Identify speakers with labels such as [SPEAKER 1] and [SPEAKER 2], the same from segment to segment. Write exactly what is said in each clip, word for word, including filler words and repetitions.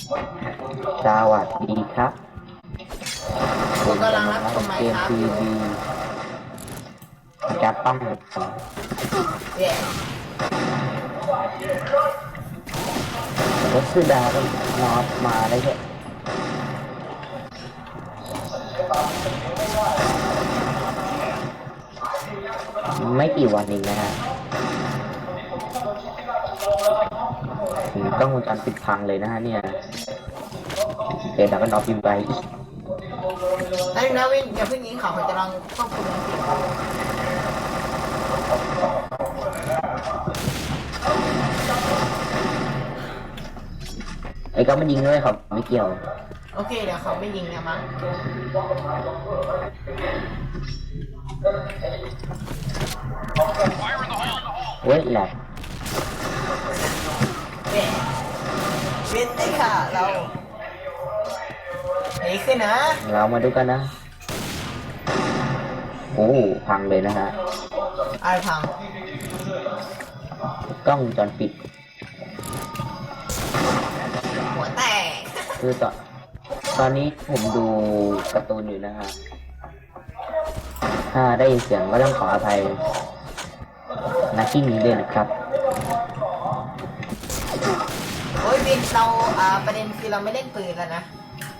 [SPEAKER 1] สวัสดีครับ
[SPEAKER 2] ผมกำลังรับชมไม
[SPEAKER 1] เก
[SPEAKER 2] ค์
[SPEAKER 1] ม
[SPEAKER 2] ครับ
[SPEAKER 1] ทีวีจะต้อง
[SPEAKER 2] เย่
[SPEAKER 1] รถสุดาก็นอตมาได้แค่ไม่กี่วันเองนะฮะถึงต้องวงจรปิดพังเลยนะฮะเนี่ยเดี๋ยวเราก็นอตพิมพ์ไป
[SPEAKER 2] แล้วนะวินอย่าเพิ่งยิงเขาผมจะลองควบคุมเสียง
[SPEAKER 1] ไอ้ก็มันยิงด้วยครับไม่เกี่ยว
[SPEAKER 2] โอเคเดี๋ยวเขาไม่ยิงนะมั้ง
[SPEAKER 1] เว้ยแหลก
[SPEAKER 2] เย่วินได้ค่ะเราหนีขึ้นนะ
[SPEAKER 1] เรามาดูกันนะโอ้พังเลยนะฮะ
[SPEAKER 2] อะไรพัง
[SPEAKER 1] กล้องวงจรปิด
[SPEAKER 2] หัวแตก
[SPEAKER 1] คือตอนตอนนี้ผมดูการ์ตูนอยู่นะฮะถ้าได้ยินเสียงก็ต้องขออภัยนักที่นี้ด้วยนะครับ
[SPEAKER 2] โอ้ยวินเราอ่าประเด็นคือเราไม่เล่นปืนแล้วนะ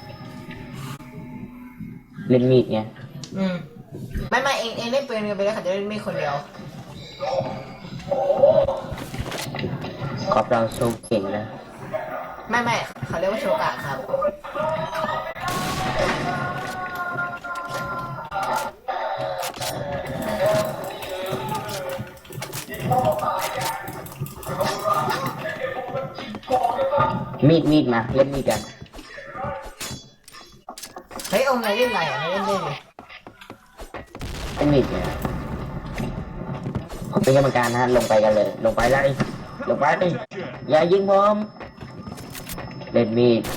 [SPEAKER 1] เล่นมีดเนี่ย
[SPEAKER 2] อืมไม่ไม่เองเองเล่นปืนกันไปเลยค่ะจะเล่นไม่คนเดียว
[SPEAKER 1] กอล์ฟเราโชว์เก่งนะ
[SPEAKER 2] ไม่ไม่เขาเรียกว่าโชกะครับ
[SPEAKER 1] มีดมีดมาเล่นมีดกัน
[SPEAKER 2] เฮ้ยองค์ไหนเล่นอะไรอ่ะไม่เล่นเล่นเลย
[SPEAKER 1] เล่นมีดเนี่ยผมเป็นกรรมการนะฮะลงไปกันเลย ลงไปเลยลงไปดิอย่ายิงผมเล่นมีด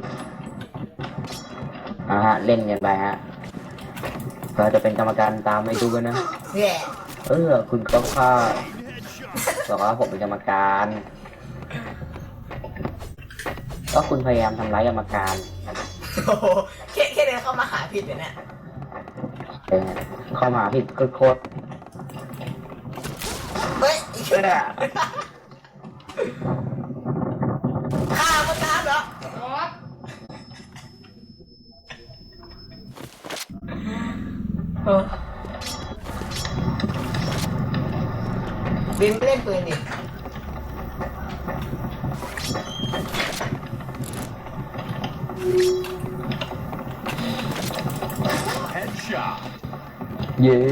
[SPEAKER 1] อ่าฮะเล่นกันไปฮะเราจะเป็นกรรมการตามไม่ดูกันนะ
[SPEAKER 2] แย่
[SPEAKER 1] เออคุณก็ค่าบอกว่าผมเป็นกรรมการ ก็คุณพยายามทำร้ายกรรมการ
[SPEAKER 2] โอ้โหแค่แค่เดินเข้ามาหาผิดเลยเนี่ย
[SPEAKER 1] เออเข้ามาผิดโคตร
[SPEAKER 2] เฮ้ย
[SPEAKER 1] ๆเออ
[SPEAKER 2] ฆ่ามันตามเหรอเออบินไม่เล่นปืนดิ
[SPEAKER 1] เย่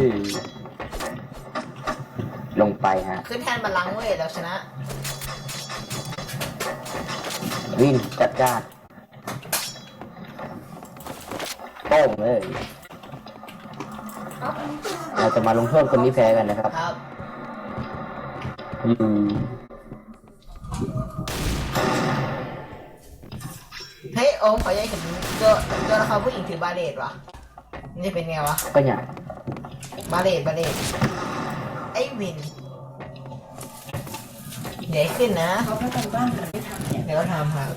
[SPEAKER 1] ลงไปฮะ
[SPEAKER 2] ขึ้นแทนบัลลังก์เว้ยเราชนะ
[SPEAKER 1] วินจัดการโป้งเลยเราจะมาลงโทษคนที่แพ้กันนะครับ
[SPEAKER 2] ครับ
[SPEAKER 1] อยู่
[SPEAKER 2] เฮ้ยโอมขอย้ายเห็นตัวตัวละครผู้หญิงถือบาเลตวะมันจะเป็นไงวะ
[SPEAKER 1] ก็เนี่ย
[SPEAKER 2] บาเลตบาเลตไอ้วินเดี๋ยวขึ้นนะ
[SPEAKER 3] เขาก็ทำบ้านหาไม่ทำเนี่ย
[SPEAKER 2] เดี๋ยวทำครับ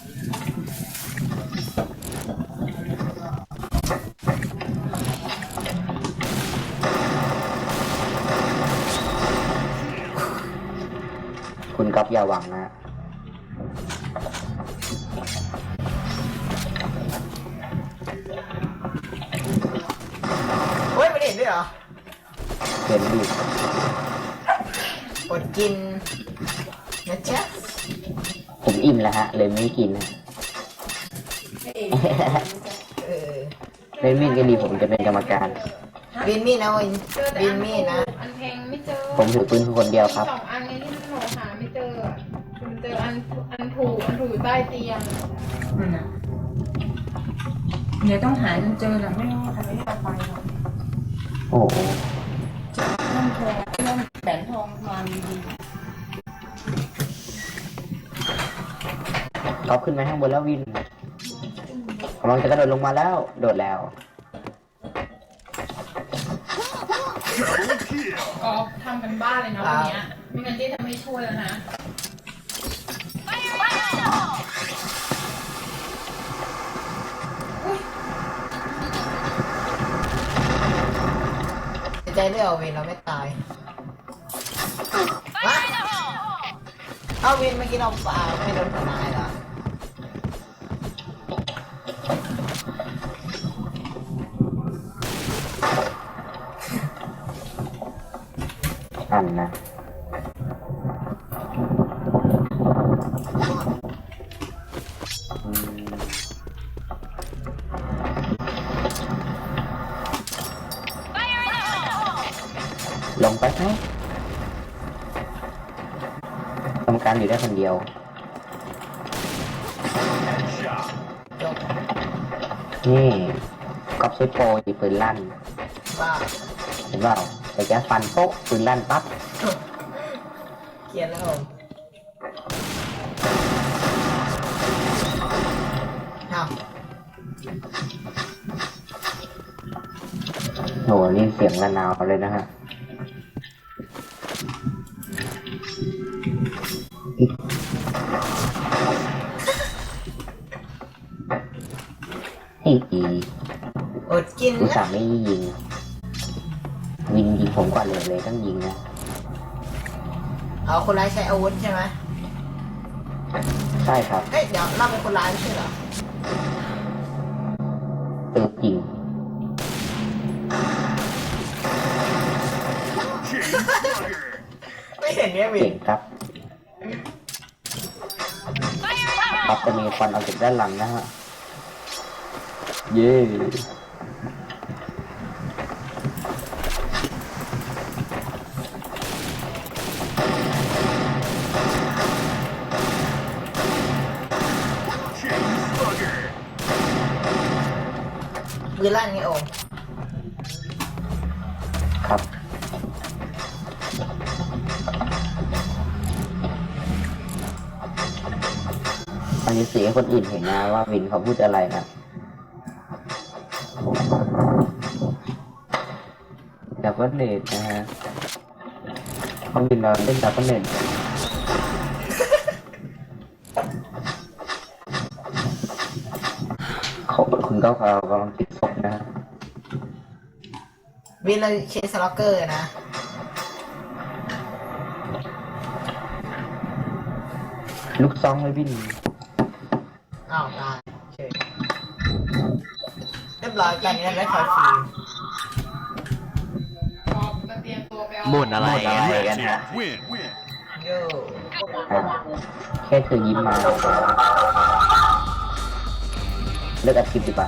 [SPEAKER 1] คุณก๊อฟอย่าหวังนะ
[SPEAKER 2] เฮ้ยบาเลตด้วยเหรอ
[SPEAKER 1] เห็นดิ
[SPEAKER 2] อดกินนะจ๊ะ
[SPEAKER 1] ผมอิ่มแล้วฮะ เลยไม่กินนะ
[SPEAKER 3] ไม่เอง
[SPEAKER 2] เออ
[SPEAKER 1] เล่นมีดก็ดีผมจะเป็นกรรมการ
[SPEAKER 2] วินมี่นะวินวินมี่นะ
[SPEAKER 4] อันแพงไม่เจอ
[SPEAKER 1] ผมถือปืนคนเดียวครับ
[SPEAKER 4] สองอันนี้ที่หนูหาไม่เจอคุณเจออันอันถูกอันถูกอยู่ใต้เตียง
[SPEAKER 3] นั่นน่ะเดี๋ยวต้องหาจนเจอแหละไม่รู้ทำไม่ได้เอาไปหรอก
[SPEAKER 1] โอ้โห
[SPEAKER 3] เริ่มทองเริ่มแสนทองมาดี
[SPEAKER 1] ก๊อฟขึ้นไปข้างบนแล้ววินกำลังจะกระโดดลงมาแล้ว โดดแล้ว
[SPEAKER 4] ก็ทำกันบ้านเลยนะวันเนี้ยไม่งั้นเจ๊จะไม่ช่วยแล้วนะ
[SPEAKER 2] เเรื่องเอาวินเราไม่ตายมาเอาวินเมื่อกี้เราปาไม่โดนทนายเหรอ
[SPEAKER 1] อันนะอืมลงไปไหมทำการอยู่ได้คนเดียว
[SPEAKER 2] จบ
[SPEAKER 1] นี่ก๊อฟใช้โปรยิงปืนลั่น
[SPEAKER 2] บ้า
[SPEAKER 1] เห็นเปล่าแต่แกฟันโป๊ะปืนลั่นปั๊บ
[SPEAKER 2] เกลียดแล้วผมอ้าว
[SPEAKER 1] โหนี่เสียงระนาวเลยนะฮะอีอี
[SPEAKER 2] อดกิน
[SPEAKER 1] อุตส่า
[SPEAKER 2] นะ
[SPEAKER 1] ห์ไม่ยิงวินยิงผมก่อนเลยเลยต้องยิงนะ
[SPEAKER 2] เอาคนร้ายใช้อาวุธใช่ไหม
[SPEAKER 1] ใช่ครับ
[SPEAKER 2] เอ้ยเดี๋ยวเราเป็นคนร้ายไม่ใช่เหรอ
[SPEAKER 1] เออจริง
[SPEAKER 2] ไม่เห็นเนี่ยวิ
[SPEAKER 1] เก่
[SPEAKER 2] น
[SPEAKER 1] งครับปั๊บจะมีควันออกจากด้านหลังนะฮะเย้
[SPEAKER 2] ปืนลั่นไงโอ่ง
[SPEAKER 1] ครับอันนี้เสียให้คนอื่นเห็นนะว่าวินเขาพูดอะไรนะดับเบิลเนตนะฮะเขาวินเราเล่นดับเบิลเนตเขาคุณก็เขากำลังติดศพนะฮะ
[SPEAKER 2] วินเราเชสล็อกเกอร์นะ
[SPEAKER 1] ลูกซองเลยวิน
[SPEAKER 2] อ้าวตายเฉยเรียบร้อยกันนี้ได้คอยฟรี
[SPEAKER 4] พอมาเตรียมตัวไปเอา
[SPEAKER 5] หมุนอะไร
[SPEAKER 1] หมุนอะไรกันฮะ
[SPEAKER 6] Win, win.
[SPEAKER 2] โย่
[SPEAKER 1] อ่ะแค่เธอยิ้มมาเลิกอัดคลิปดีกว่า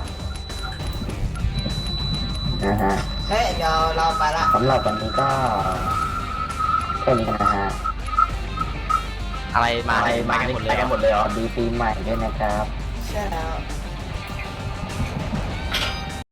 [SPEAKER 1] นะฮะ
[SPEAKER 2] เฮ้ยเดี๋ยวเราไปละ
[SPEAKER 1] สำหรับวันนี้ก็แค่นี้นะฮะ
[SPEAKER 5] อะไรมาอะไรมากันหมดเลยเหรอ
[SPEAKER 1] สวัสดีปีใหม่ด้วยนะครับ
[SPEAKER 2] ใช่แล้ว